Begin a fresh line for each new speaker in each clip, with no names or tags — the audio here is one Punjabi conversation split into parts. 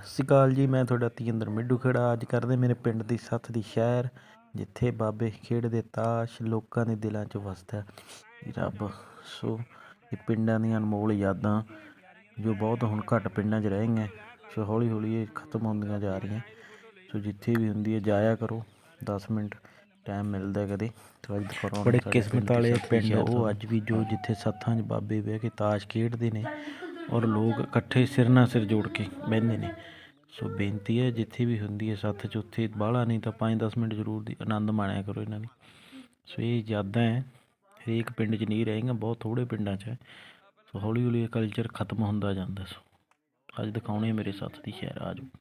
ਸਤਿ ਸ਼੍ਰੀ ਅਕਾਲ ਜੀ। ਮੈਂ ਤੁਹਾਡਾ ਤੇਜਿੰਦਰ ਮਿੱਡੂ ਖੇੜਾ। ਅੱਜ ਕਰਦੇ ਮੇਰੇ ਪਿੰਡ ਦੀ ਸੱਥ ਦੀ ਸ਼ਹਿਰ, ਜਿੱਥੇ ਬਾਬੇ ਖੇਡਦੇ ਤਾਸ਼, ਲੋਕਾਂ ਦੇ ਦਿਲਾਂ 'ਚ ਵਸਦਾ ਰੱਬ। ਸੋ ਇਹ ਪਿੰਡਾਂ ਦੀਆਂ ਅਨਮੋਲ ਯਾਦਾਂ ਜੋ ਬਹੁਤ ਹੁਣ ਘੱਟ ਪਿੰਡਾਂ 'ਚ ਰਹਿ ਗਈਆਂ। ਸੋ ਹੌਲੀ ਹੌਲੀ ਇਹ ਖਤਮ ਹੁੰਦੀਆਂ ਜਾ ਰਹੀਆਂ। ਸੋ ਜਿੱਥੇ ਵੀ ਹੁੰਦੀ ਹੈ ਜਾਇਆ ਕਰੋ, 10 ਮਿੰਟ ਟਾਈਮ ਮਿਲਦਾ ਕਦੇ। ਬੜੇ ਕਿਸਮਤ ਵਾਲੇ ਪਿੰਡ ਉਹ ਅੱਜ ਵੀ ਜੋ ਜਿੱਥੇ ਸੱਥਾਂ 'ਚ ਬਾਬੇ ਬਹਿ ਕੇ ਤਾਸ਼ ਖੇਡਦੇ ਨੇ ਔਰ ਲੋਕ ਇਕੱਠੇ ਸਿਰ ਨਾਲ ਸਿਰ ਜੋੜ ਕੇ ਬਹਿੰਦੇ ਨੇ। ਸੋ ਬੇਨਤੀ ਹੈ ਜਿੱਥੇ ਵੀ ਹੁੰਦੀ ਹੈ ਸੱਥ 'ਚ, ਉੱਥੇ ਬਾਹਲਾ ਨਹੀਂ ਤਾਂ 5-10 ਮਿੰਟ ਜ਼ਰੂਰ ਦੀ ਆਨੰਦ ਮਾਣਿਆ ਕਰੋ ਇਹਨਾਂ ਦੀ। ਸੋ ਇਹ ਯਾਦਾਂ ਹੈ, ਹਰੇਕ ਪਿੰਡ 'ਚ ਨਹੀਂ ਰਹੇਗਾ, ਬਹੁਤ ਥੋੜ੍ਹੇ ਪਿੰਡਾਂ 'ਚ ਹੈ। ਸੋ ਹੌਲੀ ਹੌਲੀ ਇਹ ਕਲਚਰ ਖਤਮ ਹੁੰਦਾ ਜਾਂਦਾ। ਸੋ ਅੱਜ ਦਿਖਾਉਣੇ ਮੇਰੇ ਸੱਥ ਦੀ ਸ਼ਹਿਰ, ਆ ਜਾਓ।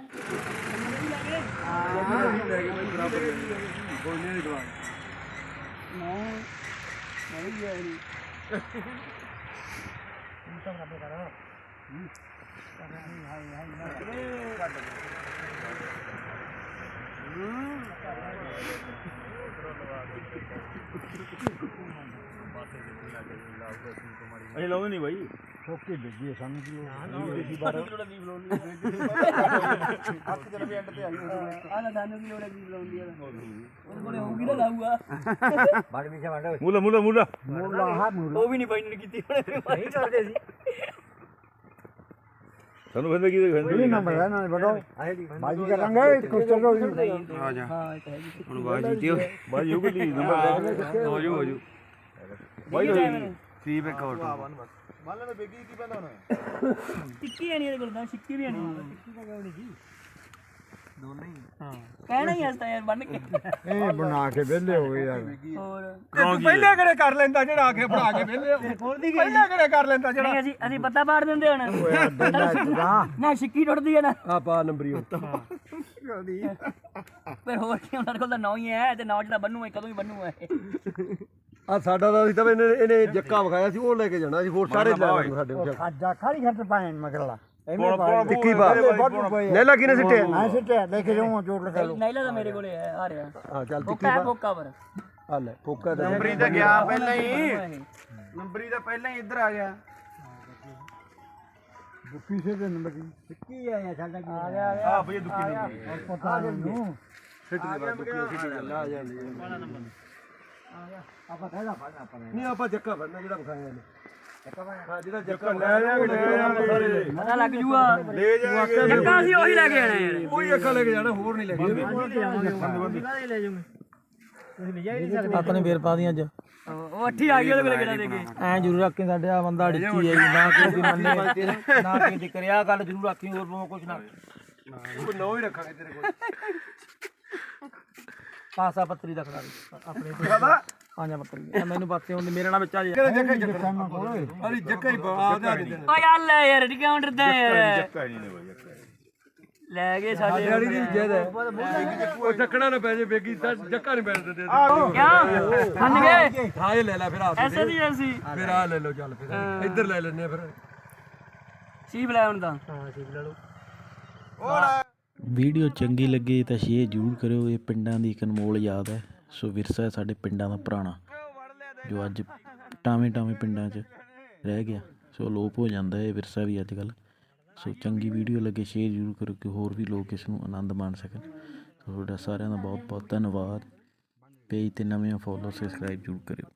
ਅਸੀਂ ਲਾਉਂਦੇ ਨਹੀਂ ਬਾਈ,
ਠੋਕੇ ਡਿੱਗੀ ਸਾਨੂੰ ਕੀ ਲੋੜ
ਹੱਥ ਜਨ ਵੀ ਐਂਡ ਤੇ ਆਈ
ਆਹ ਸਾਨੂੰ ਕੀ ਲੋੜ ਹੈ ਜੀ ਲਾਉਂਦੀ ਆ ਉਹਦੇ ਕੋਲੇ ਹੋਊਗੀ ਨਾ ਲਾਊਗਾ
ਬਾੜ ਵਿੱਚ ਵੰਡ
ਮੂਲਾ
ਮੂਲਾ ਹਾਂ
ਉਹ ਵੀ ਨਹੀਂ ਫਾਈਨਲ ਕੀਤੀ ਉਹਨੇ ਨਹੀਂ ਕਰਦੇ ਸੀ
ਸਾਨੂੰ ਫਿਰ ਕੀ ਕਹਿੰਦੇ
ਇਹ ਨੰਬਰ ਹੈ ਨਾ ਬੜੋ ਬਾਜੀ ਕਰਾਂਗੇ ਕੁਛ ਚਲੋ
ਆ ਜਾ
ਹਾਂ ਇਹ ਤਾਂ ਹੈ ਜੀ
ਹੁਣ ਬਾਜੀ ਜੀਤਿਓ ਬਾਜੀ ਹੋ ਗਈ ਨੰਬਰ ਹੋ ਜੂ ਬਾਈ ਸੀ ਬੇ ਕੋਲ ਮੰਨ ਲੈ ਬੇਗੀ ਕੀ ਪੈਂਦਾ ਹੁਣ
ਟਿੱਕੀ ਨਹੀਂ ਇਹਦੇ ਕੋਲ ਤਾਂ ਸਿੱਕੀ ਵੀ ਨਹੀਂ ਟਿੱਕੀ ਤਾਂ ਕਿਉਂ ਨਹੀਂ ਜੀ ਦੋਨੇ ਹੀ ਹਾਂ ਕਹਿਣਾ ਹੀ ਹਸਤਾ ਯਾਰ ਬਣ ਕੇ
ਇਹ ਬਣਾ ਕੇ ਵਿਹਲੇ ਹੋ ਗਏ ਯਾਰ
ਹੋਰ
ਤੂੰ ਪਹਿਲੇ ਕਿਹੜੇ ਕਰ ਲੈਂਦਾ ਜਿਹੜਾ ਆ ਕੇ ਬਣਾ ਕੇ ਵਿਹਲੇ ਪਹਿਲੇ ਕਿਹੜੇ ਕਰ ਲੈਂਦਾ ਜਿਹੜਾ
ਨਹੀਂ ਅਸੀਂ ਪੱਤਾ ਪਾੜ ਦਿੰਦੇ ਹੁਣ ਨਾ ਸਿੱਕੀ ਟੁੱਟਦੀ ਹੈ ਨਾ
ਆ ਪਾ ਨੰਬਰੀ
ਪਰ ਹੋਰ ਕੀ ਉਹਨਾਂ ਕੋਲ ਤਾਂ ਨੌ ਹੀ ਹੈ ਤੇ ਨੌ ਜਿਹੜਾ ਬੰਨੂ ਹੈ ਕਦੋਂ ਹੀ ਬੰਨੂ ਹੈ
ਆ ਸਾਡਾ ਤਾਂ ਸੀ ਤਾਂ ਇਹਨੇ ਜੱਕਾ ਵਿਖਾਇਆ ਸੀ, ਉਹ ਲੈ ਕੇ ਜਾਣਾ ਸੀ। ਹੋਰ ਸਾਰੇ ਲੈ ਲੈਣ ਸਾਡੇ ਕੋਲ ਖਾਜਾ ਖਾਲੀ ਖੱਟ ਪਾਣ ਮਗਰਲਾ ਟਿੱਕੀ ਪਾ ਨੈਲਾ ਕਿਨੇ ਸਿੱਟੇ ਮੈਂ ਸਿੱਟਿਆ ਲੈ ਕੇ ਜਾਉਂ ਜੋੜ ਲਗਾ ਲਓ।
ਨੈਲਾ ਤਾਂ ਮੇਰੇ ਕੋਲੇ ਹੈ ਆ ਰਿਹਾ
ਹਾਂ ਚੱਲ ਟਿੱਕੀ ਪਾ
ਪੋਕਾ ਪਰ
ਆ ਲੈ ਪੋਕਾ ਤੇ
ਨੰਬਰੀ ਤਾਂ ਗਿਆ ਪਹਿਲਾਂ ਹੀ, ਨੰਬਰੀ ਤਾਂ ਪਹਿਲਾਂ ਹੀ ਇੱਧਰ ਆ ਗਿਆ।
ਦੁੱਕੀ ਸੇ ਦੇ ਨੰਬਰ ਟਿੱਕੀ ਆਇਆ ਸਾਡਾ ਕੀ ਆ ਗਿਆ
ਆ ਭਈ ਦੁੱਕੀ ਨੰਬਰ
ਪਤਾ ਨਹੀਂ ਸਿੱਟ ਦੇ ਬਾਅਦ ਦੁੱਕੀ ਸਿੱਟ ਲਾ ਜਾਂਦੀ ਹੈ ਵਾਲਾ ਨੰਬਰ ਆਪਾਂ ਕਹਿਦਾ ਫੜਨਾ ਆਪਾਂ ਨਹੀਂ ਆਪਾਂ ਜੱਕਾ ਫੜਨਾ ਜਿਹੜਾ ਵਿਖਾਇਆ ਇਹਨੇ ਹਾਂ ਜਿਹੜਾ ਜੱਕਾ ਲੈ ਜਾਵਾਂਗੇ
ਪਤਾ ਲੱਗ ਜੂਗਾ
ਲੈ ਜਾਵਾਂਗੇ
ਜੱਕਾ ਅਸੀਂ ਉਹੀ ਲੈ ਕੇ ਆਣਾ ਯਾਰ
ਕੋਈ ਜੱਕਾ ਲੈ ਕੇ ਜਾਣਾ, ਹੋਰ ਨਹੀਂ ਲੈ ਕੇ
ਲੈ ਜਾਵਾਂਗੇ ਤੁਸੀਂ ਲੈ ਜਾ ਨਹੀਂ ਸਕਦੇ
ਆਪਣੇ ਵੇਰ ਪਾ ਦੀਆਂ ਅੱਜ
ਉਹ ਅੱਠੀ ਆ ਗਈ ਉਹਦੇ ਕੋਲੇ ਕਿਹੜਾ ਦੇ ਕੇ
ਐ ਜ਼ਰੂਰ ਰੱਖੀ ਸਾਡੇ ਆ ਬੰਦਾ ਡਿੱਕੀ ਹੈ ਜੀ, ਨਾ ਕਿਸੇ ਦੀ ਮੰਨੇ ਨਾ ਕਿਸੇ ਦੀ ਕਰਿਆ ਗੱਲ ਜ਼ਰੂਰ ਰੱਖੀ, ਹੋਰ ਕੁਛ ਨਾ
ਉਹ ਨੌ ਹੀ ਰੱਖਾਂਗੇ ਤੇਰੇ ਕੋਲ।
ਪਾਸਾ ਪੱਤਰੀ ਦਾ ਖੜਾ ਆਪਣੇ ਪੰਜਾਂ ਪੱਤਰੀ ਮੈਨੂੰ ਪਾਸੇ ਹੁੰਦੀ ਮੇਰੇ ਨਾਲ ਵਿੱਚ ਆ ਜਾ।
ਜੱਕਾ ਹੀ ਜੱਕਾ ਅਰੇ ਜੱਕਾ ਹੀ ਆ ਜਾ ਦੇ
ਓ ਯਾਰ ਲੈ ਯਾਰ ਡਿਕਾਊਂਟਰ ਦਾ ਯਾਰ
ਜੱਕਾ ਨਹੀਂ ਨੇ ਬਾਈ ਜੱਕਾ
ਲੈ ਗਏ ਸਾਡੇ
ਵਾਲੀ ਦੀ ਜੈਦ ਹੈ ਉਹ ਚੱਕਣਾ ਨਾ ਪੈ ਜੇ ਬੇਗੀ ਜੱਕਾ ਨਹੀਂ ਬੈਠ ਦਿੰਦੇ
ਕਿਉਂ ਮੰਨ ਗਏ
ਹਾਂ ਇਹ ਲੈ ਲੈ ਫਿਰ ਆ
ਐਸੇ ਦੀ ਐਸੀ
ਫਿਰ ਆ ਲੈ ਲਓ, ਚੱਲ ਫਿਰ ਇੱਧਰ ਲੈ ਲੈਣੇ ਫਿਰ
ਸੀਬ ਲੈ ਹੁਣ ਤਾਂ ਹਾਂ ਸੀਬ ਲੈ ਲਓ
ਵੀਡੀਓ ਚੰਗੀ ਲੱਗੇ ਤਾਂ ਸ਼ੇਅਰ ਜ਼ਰੂਰ ਕਰਿਓ। ਇਹ ਪਿੰਡਾਂ ਦੀ ਇੱਕ ਅਨਮੋਲ ਯਾਦ ਹੈ। ਸੋ ਵਿਰਸਾ ਹੈ ਸਾਡੇ ਪਿੰਡਾਂ ਦਾ ਪੁਰਾਣਾ, ਜੋ ਅੱਜ ਟਾਵੇਂ ਪਿੰਡਾਂ 'ਚ ਰਹਿ ਗਿਆ। ਸੋ ਅਲੋਪ ਹੋ ਜਾਂਦਾ ਇਹ ਵਿਰਸਾ ਵੀ ਅੱਜ ਕੱਲ੍ਹ। ਸੋ ਚੰਗੀ ਵੀਡੀਓ ਲੱਗੇ ਸ਼ੇਅਰ ਜ਼ਰੂਰ ਕਰੋ ਕਿ ਹੋਰ ਵੀ ਲੋਕ ਇਸ ਨੂੰ ਆਨੰਦ ਮਾਣ ਸਕਣ। ਸੋ ਤੁਹਾਡਾ ਸਾਰਿਆਂ ਦਾ ਬਹੁਤ ਬਹੁਤ ਧੰਨਵਾਦ। ਪੇਜ 'ਤੇ ਨਵੇਂ ਫੋਲੋ ਸਬਸਕ੍ਰਾਈਬ ਜ਼ਰੂਰ ਕਰਿਓ।